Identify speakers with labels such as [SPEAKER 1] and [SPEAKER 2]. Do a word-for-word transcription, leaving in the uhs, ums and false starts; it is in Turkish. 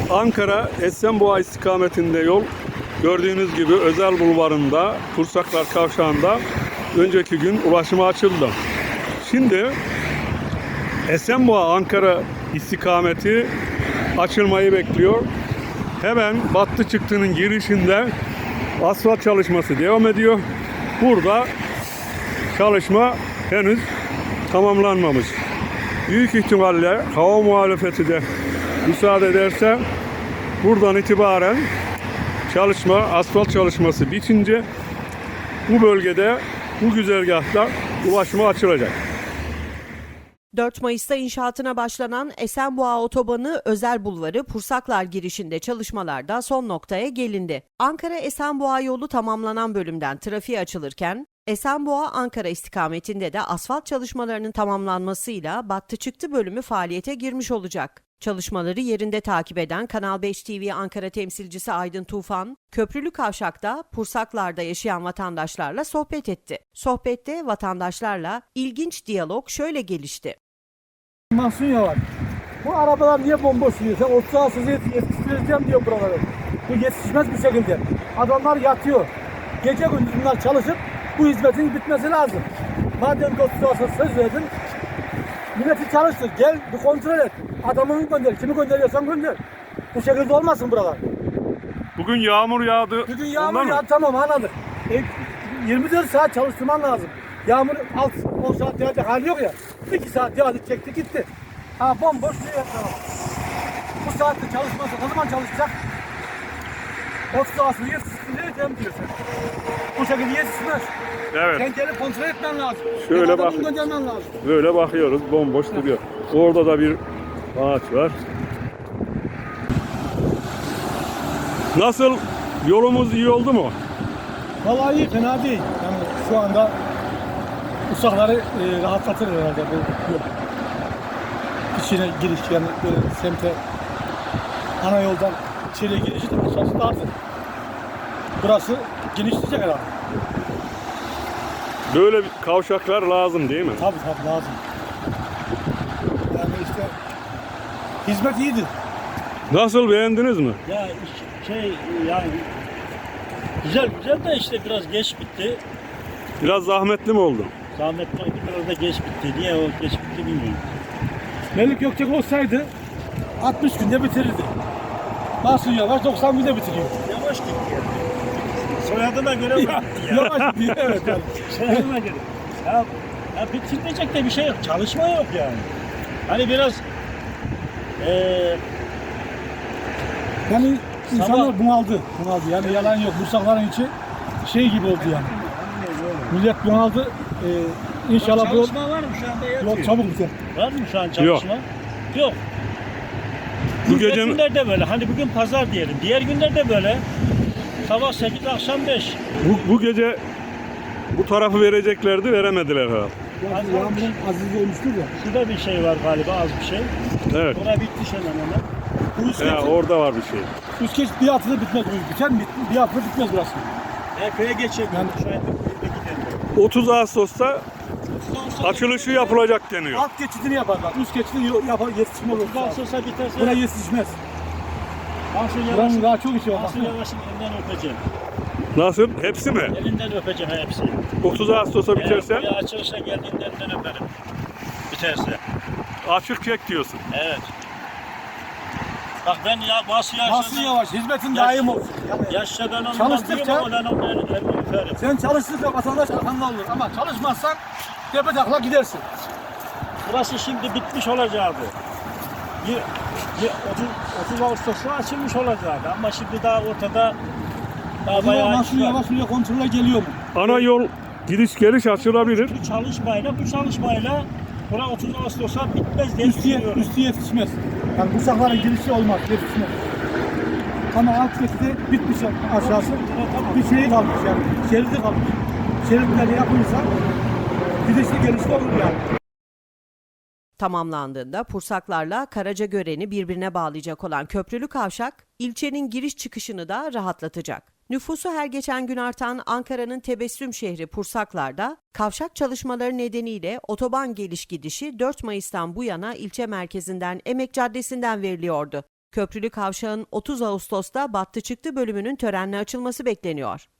[SPEAKER 1] Ankara Esenboğa istikametinde yol gördüğünüz gibi Özel Bulvarı'nda Pursaklar Kavşağı'nda önceki gün ulaşıma açıldı. Şimdi Esenboğa Ankara istikameti açılmayı bekliyor. Hemen Battı Çıktı'nın girişinde asfalt çalışması devam ediyor. Burada çalışma henüz tamamlanmamış. Büyük ihtimalle hava muhalefeti de müsaade ederse buradan itibaren çalışma, asfalt çalışması bitince bu bölgede, bu güzergahta ulaşıma açılacak.
[SPEAKER 2] dört Mayıs'ta inşaatına başlanan Esenboğa Otobanı Özel Bulvarı Pursaklar girişinde çalışmalarda son noktaya gelindi. Ankara-Esenboğa yolu tamamlanan bölümden trafiğe açılırken Esenboğa-Ankara istikametinde de asfalt çalışmalarının tamamlanmasıyla Battı Çıktı bölümü faaliyete girmiş olacak. Çalışmaları yerinde takip eden Kanal beş T V Ankara temsilcisi Aydın Tufan, Köprülü Kavşak'ta Pursaklar'da yaşayan vatandaşlarla sohbet etti. Sohbette vatandaşlarla ilginç diyalog şöyle gelişti.
[SPEAKER 3] Mahsun Yavaş, bu arabalar niye bomboş duruyor? Sen otuz altı yetiştireceğim diyor buraları. Bu yetişmez bir şekilde. Adamlar yatıyor. Gece gündüz bunlar çalışıp bu hizmetin bitmesi lazım. Madem ki otuz altı söz verdin, milleti çalıştır. Gel bir kontrol et. Adamını gönder. Kimi gönderiyorsan gönder. Bu şekilde olmasın buralar.
[SPEAKER 1] Bugün yağmur yağdı.
[SPEAKER 3] Bugün yağmur yağdı, tamam anladık. E, yirmi dört saat çalıştırman lazım. Yağmur alt on saat yağdı hali yok ya. iki saat yağdı çekti gitti. Ha bomboş duruyor tamam. Bu saatte çalışmazsa ne zaman çalışacak? otuz altı yetiştireceğim diyorsun. Bu şekilde yetişmez.
[SPEAKER 1] Evet.
[SPEAKER 3] Sen gelip kontrol etmen lazım.
[SPEAKER 1] Şöyle bak.
[SPEAKER 3] Göndermen lazım.
[SPEAKER 1] Böyle bakıyoruz, bomboş duruyor. Orada da bir ağaç var. Nasıl? Yolumuz iyi oldu mu?
[SPEAKER 3] Vallahi iyi, fena değil. Yani şu anda usakları e, rahatlatır herhalde bu yol. İçine giriş yani böyle semte ana yoldan içeriye girişi de aşağısı dardır. Burası genişleyecek herhalde.
[SPEAKER 1] Böyle bir kavşaklar lazım değil mi?
[SPEAKER 3] Tabii tabii lazım. Yani işte hizmet iyidir.
[SPEAKER 1] Nasıl, beğendiniz mi?
[SPEAKER 4] Ya iş- şey yani güzel güzel de işte biraz geç bitti.
[SPEAKER 1] Biraz zahmetli mi oldu?
[SPEAKER 4] Zahmetliydi, biraz da geç bitti. Niye o geç bitti bilmiyorum.
[SPEAKER 3] Melik Gökçek olsaydı altmış günde bitirirdi. Mahsun Yavaş doksan günde bitiriyor.
[SPEAKER 4] Yavaş gitti. Soyadına göre
[SPEAKER 3] Ya,
[SPEAKER 4] bitti ya.
[SPEAKER 3] yavaş gidiyor evet yani.
[SPEAKER 4] Soyadına göre. Ya, ya bitirmeyecek de bir şey yok. Çalışma yok yani. Hani biraz eee
[SPEAKER 3] Yani insanlar
[SPEAKER 4] Sabah-
[SPEAKER 3] bunaldı. Bunaldı. Yani yalan yok. Bursakların içi şey gibi oldu yani. Millet bunaldı. Ee, inşallah bu yol,
[SPEAKER 4] çalışma var mı şu anda yatıyor?
[SPEAKER 3] yol çabuk biter.
[SPEAKER 4] Var mı şu an çalışma? Yok.
[SPEAKER 1] Bu
[SPEAKER 4] Bu
[SPEAKER 1] gece
[SPEAKER 4] günlerde böyle. Hani bugün pazar diyelim. Diğer günlerde böyle. Sabah sekiz, akşam beş.
[SPEAKER 1] bu, bu gece bu tarafı vereceklerdi, veremediler herhalde.
[SPEAKER 3] Yani yağmurun azizi olmuştur ya.
[SPEAKER 4] Şurada bir şey var galiba, az bir şey.
[SPEAKER 1] Evet.
[SPEAKER 4] Orada bitti hemen hemen.
[SPEAKER 3] Bu üst
[SPEAKER 1] Ya,
[SPEAKER 3] geçit,
[SPEAKER 1] orada var bir şey.
[SPEAKER 3] üst geçit bir haftada bitmez. Biter mi? Bir haftada bitmez burası.
[SPEAKER 4] Epey'e geçelim.
[SPEAKER 3] Yani-
[SPEAKER 4] Şu anda gidelim.
[SPEAKER 1] otuz Ağustos'ta açılışı yapılacak deniyor.
[SPEAKER 3] Alt geçidini yaparlar. Üst geçidi yapar, yetişmez olur.
[SPEAKER 4] Daha sonra biterse
[SPEAKER 3] Buraya yetişmez.
[SPEAKER 4] Mahsun
[SPEAKER 3] Buranın
[SPEAKER 4] Yavaş'ın
[SPEAKER 3] daha çok işi var.
[SPEAKER 4] Mahsun
[SPEAKER 3] baksana.
[SPEAKER 4] Yavaş'ın elinden öpeceğim.
[SPEAKER 1] Nasıl? Hepsi mi?
[SPEAKER 4] Elinden öpeceğim hepsini.
[SPEAKER 1] otuz Ağustos'a
[SPEAKER 4] Eğer
[SPEAKER 1] biterse
[SPEAKER 4] buraya açılışa geldiğinde elinden öperim. Biterse.
[SPEAKER 1] açık çek diyorsun.
[SPEAKER 4] Evet. Bak ben ya Mahsun
[SPEAKER 3] Mahsun
[SPEAKER 4] Yavaş'ın
[SPEAKER 3] Yavaş hizmetin
[SPEAKER 4] Yaş-
[SPEAKER 3] daim olsun. Yani
[SPEAKER 4] yaşça ben ondan
[SPEAKER 3] Çalıştıkça-
[SPEAKER 4] diyorum ama ben onun elini elini öperim.
[SPEAKER 3] sen çalıştıkça vatandaş arkanda olur ama çalışmazsan tepe takla gidersin.
[SPEAKER 4] Burası şimdi bitmiş olacaktı. Y- y- otuz, otuz Ağustos'ta açılmış olacaktı ama şimdi daha ortada daha
[SPEAKER 3] Acaba
[SPEAKER 4] bayağı
[SPEAKER 3] Mahsun
[SPEAKER 4] iş var.
[SPEAKER 3] Yavaş buraya kontrole geliyor mu?
[SPEAKER 1] Ana yol gidiş geliş açılabilir.
[SPEAKER 4] Bu çalışmayla bu çalışmayla bura otuz Ağustos'a bitmez diye
[SPEAKER 3] Üstü,
[SPEAKER 4] düşünüyorum.
[SPEAKER 3] üstü yetişmez. Yani bu sahların girişi olmaz, yetişmez. Ama alt geçidi bitmiş aşağısı. Bir şey kalmış yani, şeridi kalmış. Şeritleri yapılırsa gidişli gelişli olur yani.
[SPEAKER 2] Tamamlandığında Pursaklarla Karacagören'i birbirine bağlayacak olan köprülü kavşak, ilçenin giriş çıkışını da rahatlatacak. Nüfusu her geçen gün artan Ankara'nın tebessüm şehri Pursaklar'da kavşak çalışmaları nedeniyle otoban geliş gidişi dört Mayıs'tan bu yana ilçe merkezinden Emek Caddesi'nden veriliyordu. Köprülü Kavşağın otuz Ağustos'ta battı çıktı bölümünün törenle açılması bekleniyor.